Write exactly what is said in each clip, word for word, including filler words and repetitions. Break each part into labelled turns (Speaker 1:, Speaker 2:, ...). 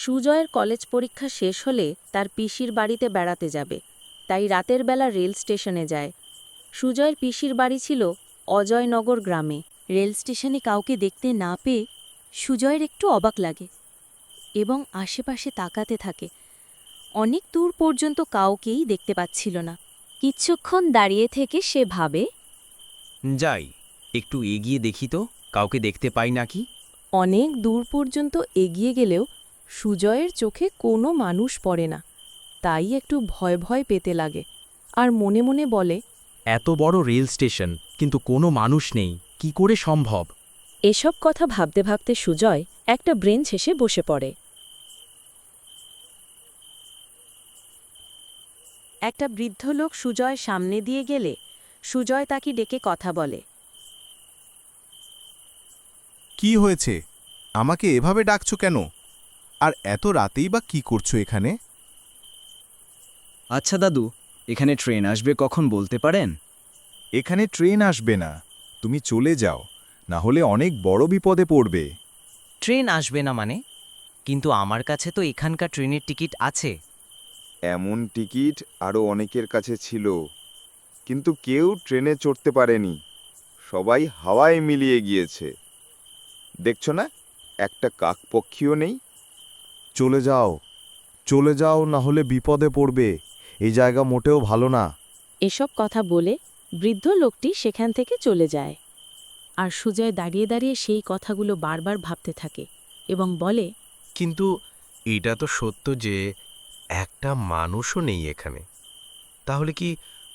Speaker 1: সুজয়ের college পরীক্ষা শেষ হলে তার পিসির বাড়িতে বেড়াতে যাবে, তাই রাতের বেলা রেল স্টেশনে যায়। সুজয়ের পিসির বাড়ি ছিল অজয়নগর গ্রামে। রেল স্টেশনে কাউকে দেখতে না পেয়ে সুজয়ের একটু অবাক লাগে এবং আশেপাশে তাকাতে থাকে। অনেক দূর পর্যন্ত কাউকেই দেখতে পাচ্ছিল না। কিছুক্ষণ দাঁড়িয়ে থেকে সে ভাবে,
Speaker 2: যাই একটু এগিয়ে দেখি তো কাউকে দেখতে পাই নাকি।
Speaker 1: অনেক দূর পর্যন্ত এগিয়ে গেলেও সুজয়ের চোখে কোনো মানুষ পড়ে না। তাই একটু ভয় ভয় পেতে লাগে আর মনে মনে বলে,
Speaker 2: এত বড় রেল স্টেশন কিন্তু কোনো মানুষ নেই, কি করে সম্ভব?
Speaker 1: এসব কথা ভাবতে ভাবতে সুজয় একটা ব্রেঞ্চ এসে বসে পড়ে। একটা বৃদ্ধ লোক সুজয় সামনে দিয়ে গেলে সুজয় তাকে ডেকে কথা বলে।
Speaker 3: কি হয়েছে? আমাকে এভাবে ডাকছো কেন? আর এত রাতেই বা কি করছো এখানে?
Speaker 4: আচ্ছা দাদু, এখানে ট্রেন আসবে কখন বলতে পারেন?
Speaker 3: এখানে ট্রেন আসবে না, তুমি চলে যাও, না হলে অনেক বড় বিপদে পড়বে।
Speaker 2: ট্রেন আসবে না মানে? কিন্তু আমার কাছে তো এখানকার ট্রেনের টিকিট আছে।
Speaker 5: এমন টিকিট আরও অনেকের কাছে ছিল, কিন্তু কেউ ট্রেনে চড়তে পারেনি, সবাই হাওয়ায় মিলিয়ে গিয়েছে। দেখছো না, একটা কাকপক্ষীও নেই।
Speaker 3: চলে যাও, চলে যাও, না হলে বিপদে পড়বে, এই জায়গা মোটেও ভালো না।
Speaker 1: এসব কথা বলে বৃদ্ধ লোকটি সেখান থেকে চলে যায়। আর সুজয় দাঁড়িয়ে দাঁড়িয়ে সেই কথাগুলো বারবার ভাবতে থাকে এবং বলে,
Speaker 6: কিন্তু এটা তো সত্য যে একটা মানুষও নেই এখানে। তাহলে কি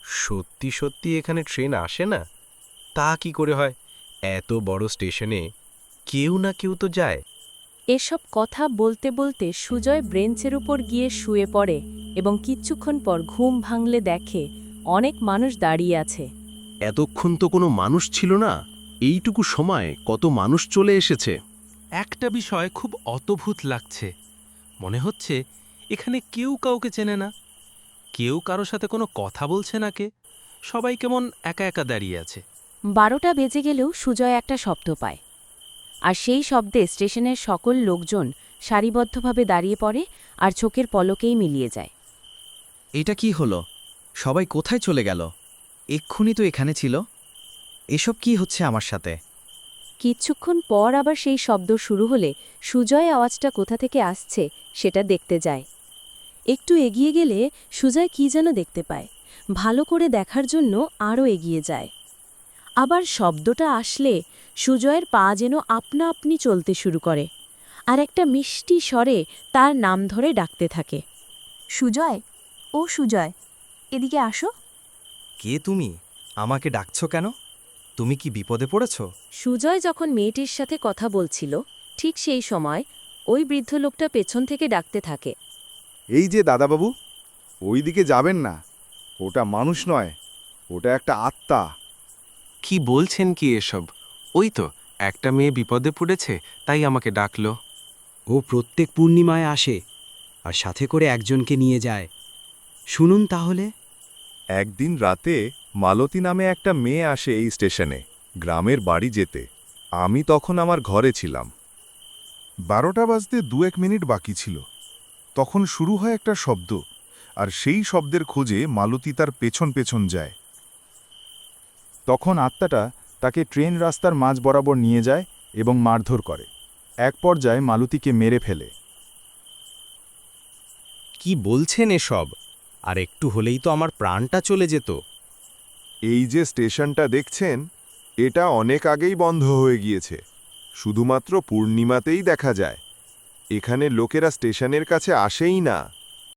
Speaker 6: সত্যি সত্যি এখানে ট্রেন আসে না? তা কি করে হয়? এত বড় স্টেশনে কেউ না কেউ তো যায়।
Speaker 1: এসব কথা বলতে বলতে সুজয় ব্রেঞ্চের উপর গিয়ে শুয়ে পড়ে এবং কিছুক্ষণ পর ঘুম ভাঙলে দেখে অনেক মানুষ দাঁড়িয়ে আছে।
Speaker 6: এতক্ষণ তো কোনো মানুষ ছিল না, এইটুকু সময় কত মানুষ চলে এসেছে। একটা বিষয় খুব অদ্ভুত লাগছে, মনে হচ্ছে এখানে কেউ কাউকে চেনে না, কেউ কারো সাথে কোনো কথা বলছে না, কে সবাই কেমন একা একা দাঁড়িয়ে আছে।
Speaker 1: বারোটা বেজে গেলেও সুজয় একটা শব্দ পায়, আর সেই শব্দে স্টেশনের সকল লোকজন সারিবদ্ধভাবে দাঁড়িয়ে পড়ে আর চোখের পলকেই মিলিয়ে যায়।
Speaker 4: এটা কি হলো? সবাই কোথায় চলে গেল? এক্ষুনি তো এখানে ছিল। এসব কি হচ্ছে আমার সাথে?
Speaker 1: কিছুক্ষণ পর আবার সেই শব্দ শুরু হলে সুজয় আওয়াজটা কোথা থেকে আসছে সেটা দেখতে যায়। একটু এগিয়ে গেলে সুজয় কি যেন দেখতে পায়। ভালো করে দেখার জন্য আরও এগিয়ে যায়। আবার শব্দটা আসলে সুজয়ের পা যেন আপনা আপনি চলতে শুরু করে আর একটা মিষ্টি স্বরে তার নাম ধরে ডাকতে থাকে।
Speaker 7: সুজয়, ও সুজয়, এদিকে আসো।
Speaker 4: কে তুমি? আমাকে ডাকছো কেন? তুমি কি বিপদে পড়েছ?
Speaker 1: সুজয় যখন মেয়েটির সাথে কথা বলছিল ঠিক সেই সময় ওই বৃদ্ধ লোকটা পেছন থেকে ডাকতে থাকে।
Speaker 5: এই যে দাদাবাবু, ওই দিকে যাবেন না, ওটা মানুষ নয়, ওটা একটা আত্মা।
Speaker 6: কি বলছেন কি এসব? ওই তো একটা মেয়ে বিপদে পড়েছে, তাই আমাকে ডাকলো।
Speaker 4: ও প্রত্যেক পূর্ণিমায় আসে আর সাথে করে একজনকে নিয়ে যায়। শুনুন তাহলে।
Speaker 3: একদিন রাতে মালতী নামে একটা মেয়ে আসে এই স্টেশনে, গ্রামের বাড়ি যেতে। আমি তখন আমার ঘরে ছিলাম। বারোটা বাজতে দু এক মিনিট বাকি ছিল। তখন শুরু হয় একটা শব্দ, আর সেই শব্দের খোঁজে মালতী তার পেছন পেছন যায়। তখন আত্মাটা তাকে ট্রেন রাস্তার মাঝ বরাবর নিয়ে যায় এবং মারধর করে। এক পর্যায়ে মালতীকে মেরে ফেলে।
Speaker 2: কি বলছেন এসব? আর একটু হলেই তো আমার প্রাণটা চলে যেত।
Speaker 5: এই যে স্টেশনটা দেখছেন, এটা অনেক আগেই বন্ধ হয়ে গিয়েছে, শুধুমাত্র পূর্ণিমাতেই দেখা যায়। এখানে লোকেরা স্টেশনের কাছে আসেই না।